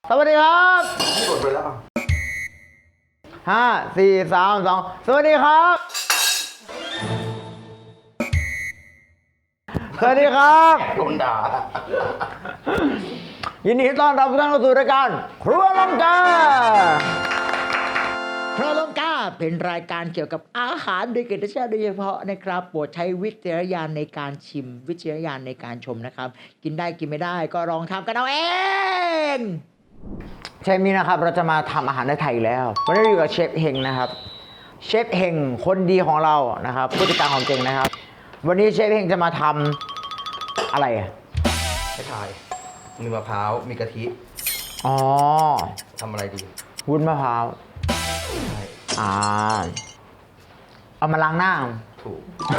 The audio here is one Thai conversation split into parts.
สวัสดีครับกดไปแล้ว 5 4 3 2สวัสดีครับสวัสดีครับโดนด่ายินดีต้อนรับทุกท่านเข้าสู่รายการครัวลงกาครัวลงกาเป็นรายการเกี่ยวกับอาหารโดยเกียรติชาติโดยเฉพาะนะครับโปรดใช้วิจารณญาณในการชิมวิจารณญาณในการชมนะครับกินได้กินไม่ได้ก็ลองทำกันเอาเองเชฟนี้นะครับเราจะมาทำอาหารในไทยอีกแล้ววันนี้อยู่กับเชฟเฮงนะครับเชฟเฮงคนดีของเรานะครับผู้จัดการของเจงนะครับวันนี้เชฟเฮงจะมาทำอะไรอ่ะให้ทายมีมะพร้าวมีกะทิอ๋อทำอะไรดีวุ้นมะพร้าวใช่เอามาล้างหน้าถูก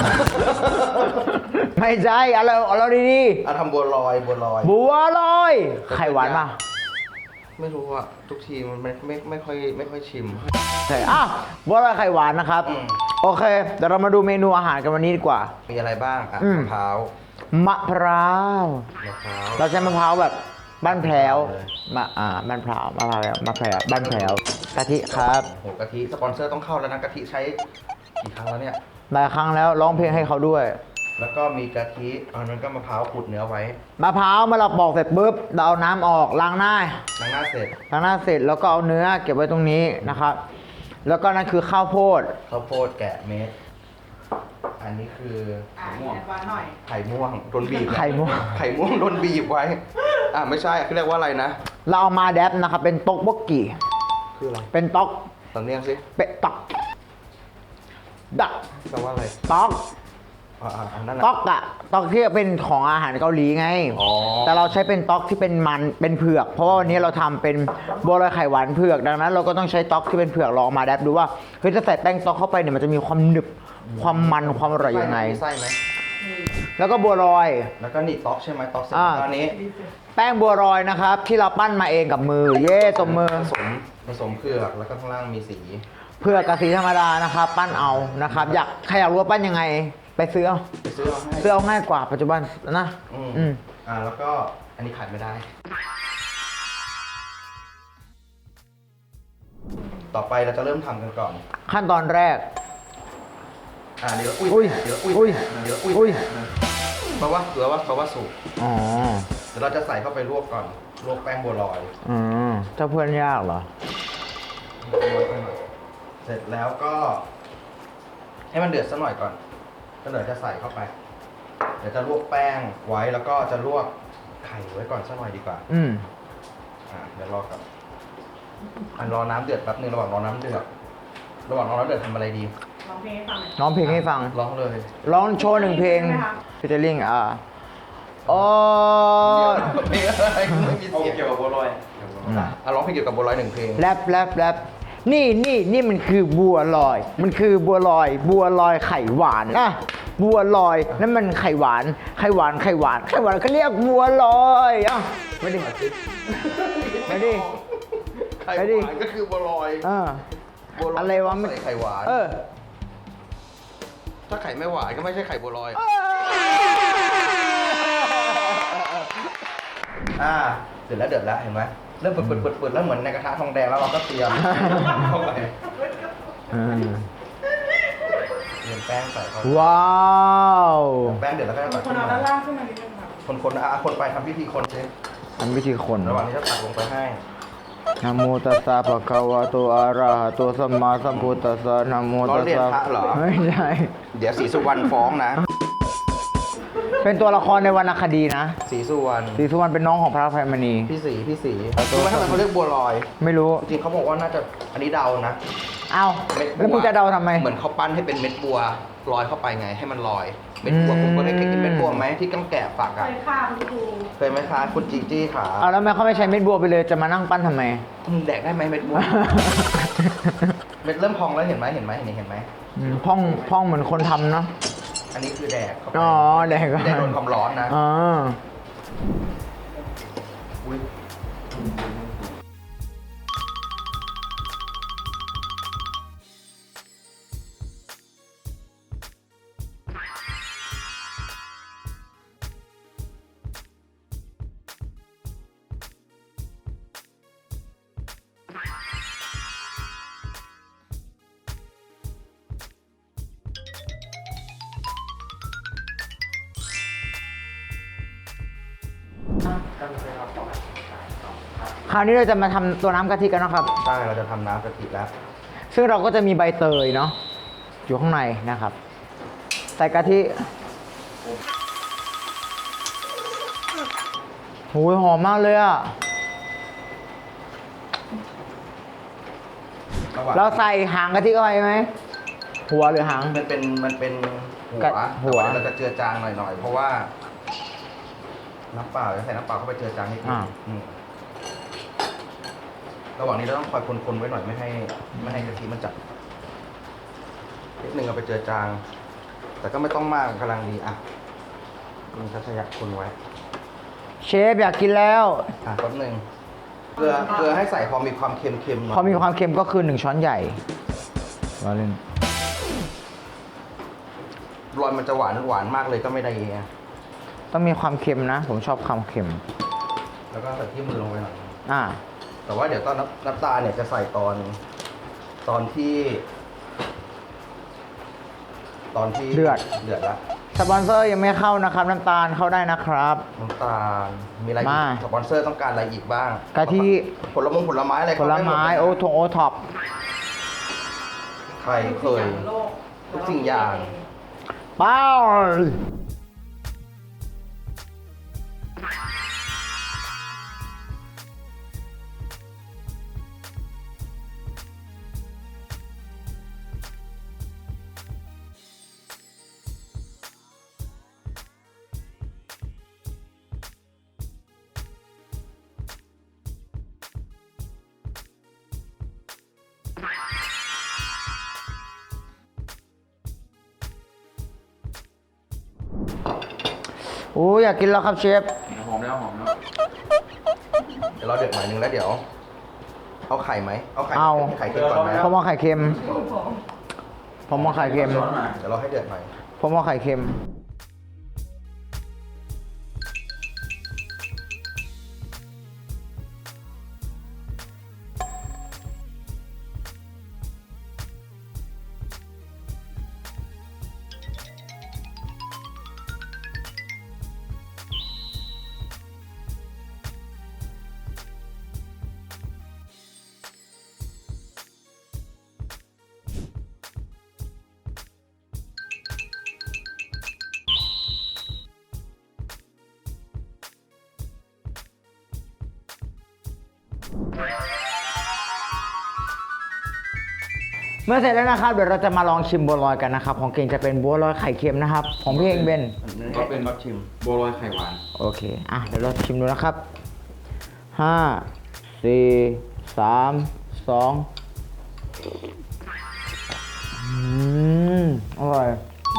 ไม่ใช่เอาดีทำบัวลอยๆบัวลอยไข่หวานป่ะไม่รู้อ่ะทุกทีมันไม่ค่อยชิมใช่บัวลอยไข่หวานนะครับ โอเคเดี๋ยวเรามาดูเมนูอาหารกันวันนี้ดีกว่ามีอะไรบ้างมะพร้าวมะพร้าว เราใช้มะพร้าวแบบบ้านแพรวบ้านแพรวบ้านแพรวบ้านแพรวกะทิครับโหกะทิสปอนเซอร์ต้องเข้าแล้วนะกะทิใช้กี่ครั้งแล้วเนี่ยหลายครั้งแล้วร้องเพลงให้เขาด้วยแล้วก็มีกะทิอันนั้นก็มะพร้าวขูดเนื้อไว้มะพร้าวมาเราปอกเสร็จปุ๊บเราเอาน้ำออกล้างหน้าล้างหน้าเสร็จแล้วก็เอาเนื้อเก็บไว้ตรงนี้นะครับ แล้วก็นั่นคือข้าวโพดข้าวโพดแกะเม็ดอันนี้คือไข่ม่วงหน่อยไข่ม่วงโดนบีบไข่ม่วงไข่ม่วงโดนบีบไว้ไม่ใช่เขาเรียกว่าอะไรนะเราเอามาแดปนะครับเป็นต๊อกบกกี่คืออะไรเป็นต๊อกสำเนียงสิเป็ดต๊อกดักแปลว่าอะไรต๊อกอันนั้นต๊อกอะต๊อกที่เป็นของอาหารเกาหลีไงอ๋อแต่เราใช้เป็นต๊อกที่เป็นมันเป็นเผือกเพราะว่าวันนี้เราทำเป็นบัวลอยไข่หวานเผือกดังนั้นเราก็ต้องใช้ต๊อกที่เป็นเผือกลองมาแดปดูว่าเฮ้ยจะใส่แป้งต๊อกเข้าไปเนี่ยมันจะมีความหนึบความมันความอร่อยยังไงมีไส้ไหมแล้วก็บัวลอยแล้วก็นี่ต๊อกใช่ไหมต๊อกเสร็จตอนนี้แป้งบัวลอยนะครับที่เราปั้นมาเองกับมือเย่ตบมือผสมเผือกแล้วก็ข้างล่างมีสีเผือกกับสีธรรมดานะครับ ปั้นเอานะครับใครอยากรู้ว่าปั้นยังไง ไปซื้อเอาไปซื้อเอาให้ซื้อเอาง่ายกว่าปัจจุบันนะแล้วก็อันนี้ขาดไม่ได้ ต่อไปเราจะเริ่มทำกันก่อนขั้นตอนแรกเดี๋ยวอุ้ยเดี๋ยวอุ้ยเดี๋ยวอุ้ยเพราะว่าสุกอ๋อเดี๋ยวเราจะใส่เข้าไปลวกก่อนลวกแป้งบัวลอยเจ้าเพื่อนยากเหรอเสร็จแล้วก็ให้มันเดือดสักหน่อยก่อนก็เดี๋ยวจะใส่เข้าไป เดี๋ยวจะลวกแป้งไว้แล้วก็จะลวกไข่ไว้ก่อนสักหน่อยดีกว่าเดี๋ยวรอก่อนรอน้ำเดือดแป๊บนึงระหว่างรอน้ำเดือดทำอะไรดีร้องเพลงให้ฟังหน่อยร้องเพลงให้ฟังร้องเลยร้องโชว์1 เพลงใช่ไหมคะฟิชเชอร์ลิงโอ้เพลงอะไรไม่มีเสียงเกี่ยวกับบัวลอยร้องเพลงเกี่ยวกับบัวลอย1 เพลงแรปนี่มันคือบัวลอย มันคือบัวลอยไข่หวานบัวลอยนั่นมันไข่หวานเขาเรียกบัวลอยไม่ดิไข่หวานก็คือบัวลอยบัวลอยอะไรวะใส่ไข่หวาน ถ้าไข่ไม่หวานก็ไม่ใช่ไข่บัวลอยเดือดแล้วเห็นไหมเริ่มเปิดแล้วเหมือนในกระทะทองแดงแล้วเราก็เตรียมเข้าไปเตรียมแป้งใส่เข้าไปว้าวแป้งเดือดแล้วก็ตักคขึ้นนเอามาด้านล่างขึ้นมานิดนึงค่ะคนไปทำพิธีคนสิทำวิธีคนระหว่างนี้จะตักลงไปให้นะโมตัสสะภะคะวะโตอะระหะโตสัมมาสัมพุทธัสสะนะโมตัสสะไม่ใช่เดี๋ยวศรีสุวรรณฟ้องนะเป็นตัวละครในวรรณคดีนะศรีสุวรรณศรีสุวรรณเป็นน้องของพระอภัยมณีพี่ศรีรู้ไหมทำไมเขาเรียกบัวลอยไม่รู้จริงๆเขาบอกว่าน่าจะอันนี้เดานะเอ้าแล้วมึงจะเดาทำไมเหมือนเขาปั้นให้เป็นเม็ดบัวลอยเข้าไปไงให้มันลอย เม็ดบัวผมก็เคยกินเม็ดบัวไหมที่กำแกะฝักเคอ่ะยฆ่าคุณครูเคยไหมคะคุณจีจี้ขาเอาแล้วทำไมเขาไม่ใช้เม็ดบัวไปเลยจะมานั่งปั้นทำไมแดกได้ไหมเม็ดบัว เม็ดเริ่มพองแล้วเห็นไหมพ่องเหมือนคนทำเนาะอันนี้คือแดกเข้าไปอ๋อแดกก็ไม่ได้โดนความร้อนนะอ๋ออุ๊ยคราวนี้เราจะมาทำตัวน้ำกะทิกันนะครับใช่เราจะทำน้ำกะทิแล้วซึ่งเราก็จะมีใบเตยเนาะอยู่ข้างในนะครับ ใส่กะทิโอ้ยหอมมากเลยอะระหว่างเราใส่หางกะทิเข้าไปไหมหัวหรือหางมันเป็นหัวกะหัวแต่าเราจะเจือจางหน่อยๆเพราะว่าน้ำเปล่าจะใส่น้ำเปล่าเข้าไปเจือจางนิดนึงระหว่างนี้เราต้องคอยคนๆไว้หน่อยไม่ให้กะทิมันจัดนิดนึงเอาไปเจือจาง แต่ก็ไม่ต้องมากกำลังดีอ่ะมันจะขยับคนไว้เชฟอยากกินแล้วแป๊บนึงเกลือให้ใส่พอมีความเค็มๆหน่อยพอมีความเค็มก็คือ1 ช้อนใหญ่มาเล่นรอยมันจะหวานมากเลยก็ไม่ได้ไงต้องมีความเค็มนะ ผมชอบความเค็มแล้วก็ใส่ที่มือลงไปหน่อยอ่าแต่ว่าเดี๋ยวตอนน้ำตาลเนี่ยจะใส่ตอนที่เดือดแล้วสปอนเซอร์ยังไม่เข้านะครับ น้ำตาลเข้าได้นะครับน้ำตาลมีอะไรอีมากสปอนเซอร์ต้องการอะไรอีกบ้างกะทิผลไม้อะไรผลไม้โอทงโอท็อปไข่เคย ทุกสิ่งอย่างเป้าโอ้ยอยากกินแล้วครับเชฟหอมแล้วหอมแล้วเดี๋ยวเราเดือดหน่อยนึงแล้วเดี๋ยวเอาไข่ไหมเอาไข่เอาไข่เค็มก่อนไหมผมเอาไข่เค็ม ผมเอาไข่เค็มช้อนมาเดี๋ยวเราให้เดือดหน่อยผมเอาไข่เค็ม เมื่อเสร็จแล้วนะครับ เดี๋ยวเราจะมาลองชิมบัวลอยกันนะครับ ของเก่งจะเป็นบัวลอยไข่เค็มนะครับ ของพี่เองเป็นก็เป็นบัตชิมบัวลอยไข่หวานโอเค อ่ะ เดี๋ยวเราชิมดูนะครับ 5 4 3 2อร่อย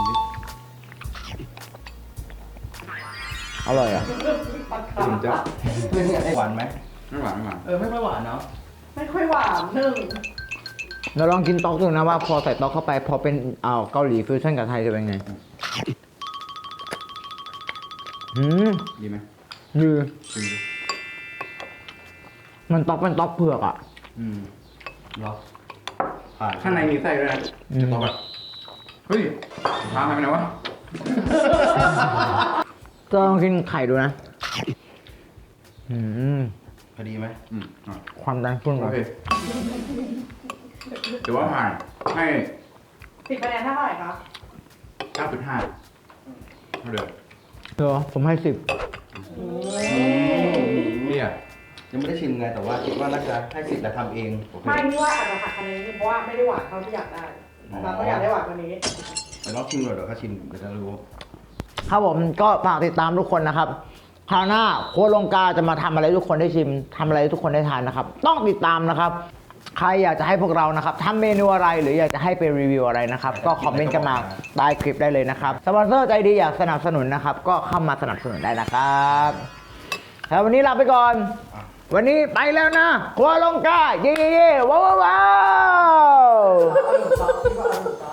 อร่อยอ่ะตื่นจ้ะหวานไหมไม่หวานไม่หวานไม่ค่อยหวานเนาะไม่ค่อยหวานหนึ่งเราลองกินต๊อกดูนะว่าพอใส่ต๊อกเข้าไป พอเป็นเกาหลีฟิวชั่นกับไทยจะเป็นไงดีไหมดีชิมดูมันต๊อกเป็นต๊อกเผือกอ่ะเหรอผ่านข้างในมีไส้ด้วยนะอืมจะบอกแบบเฮ้ยพาหายไปไหนวะจะลองกินไข่ดูนะพอดีไหมอ่ะความดันขึ้นโอก่อนเคถือว่าผ่านให้ 10 คะแนนเท่าไหร่คะ 9.5เท่าเดิมเดี๋ยวผมให้ 10 เนี่ยยังไม่ได้ชิมไงแต่ว่าคิดว่าน่าจะให้สิทธิ์และทำเองโอเคไม่ที่ว่าอาจจะหักคะแนนนิดนึงเพราะว่าไม่ได้หวานเท่าที่อยากได้เราก็อยากได้หวานกว่านี้แต่ลองชิมหน่อยเดี๋ยวเขาชิมเดี๋ยวจะรู้ครับผมก็ฝากติดตามทุกคนนะครับคราวหน้าโค้ชลงกาจะมาทำอะไรให้ทุกคนได้ชิมทำอะไรให้ทุกคนได้ทานนะครับ ต้องติดตามนะครับ ใครอยากจะให้พวกเรานะครับทำเมนูอะไรหรืออยากจะให้ไปรีวิวอะไรนะครับ ก็คอมเมนต์กันมาใต้คลิปได้เลยนะครับสปอนเซอร์ใจดีอยากสนับสนุนนะครับ ก็เข้ามาสนับสนุนได้นะครับแล้ววันนี้ลาไปก่อน วันนี้ไปแล้วนะโค้ชลงกาเย่ๆว้าว